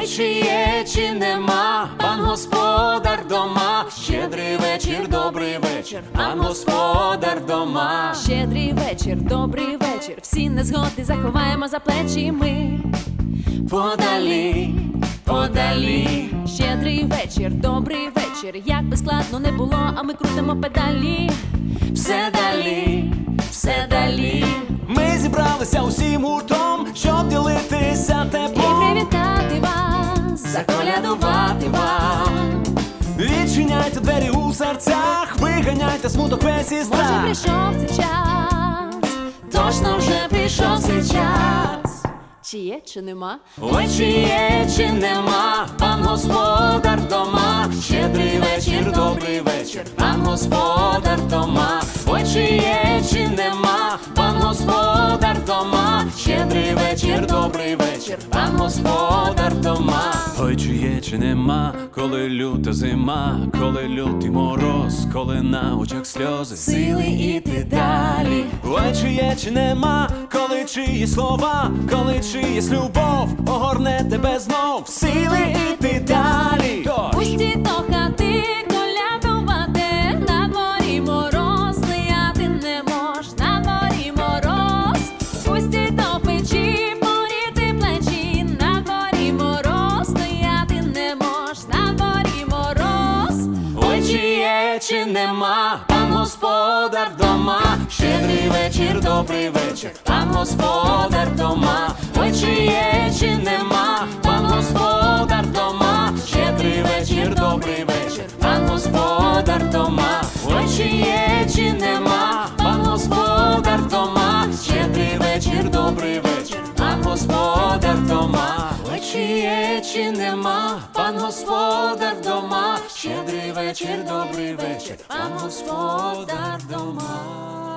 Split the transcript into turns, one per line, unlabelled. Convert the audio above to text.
Ой, чи є, чи нема, пан господар дома. Щедрий вечір, добрий вечір, пан господар дома.
Щедрий вечір, добрий вечір, всі незгоди заховаємо за плечі ми.
Подалі, подалі.
Щедрий вечір, добрий вечір, як би складно не було, а ми крутимо педалі.
Все далі, все далі.
Ми зібралися усім гуртом, щоб ділитися
І
теплом,
привітати вас,
Заколядувати вам.
відчиняйте двері у серцях, виганяйте смуток весь і
може
страх.
прийшов цей час.
Точно вже прийшов цей час.
Чи є, чи нема?
Ой, чи є, чи нема, пан господар дома. Щедрий вечір, добрий вечір, пан господар дома. Ой, чи є, чи нема, пан господар дома. Щедрий вечір, добрий вечір, пан господар дома.
Ой, чи є, чи нема, коли люта зима, коли лютий мороз, коли на очах сльози.
Сили іти далі.
Ой, чи є, чи нема, коли чиї слова, коли чиїсь любов огорне тебе знов, сили іти далі.
Пусті до хати колядувати, на дворі мороз, стояти не мож, на дворі мороз. Пусті до печі, поріти плечі, на дворі мороз, стояти не мож, на дворі мороз.
Ой, чи є, чи нема, пан господар дома. Щедрий вечір, добрий вечір, пан господар дома. Ой, чи є, чи нема, пан господар дома. Щедрий вечір, добрий вечір, пан господар дома. Ой, чи є, чи нема, пан господар дома. Щедрий вечір, добрий вечір, пан господар дома. Ой, чи є, чи нема, пан господар дома. Щедрий вечір, добрий вечір, пан господар дома.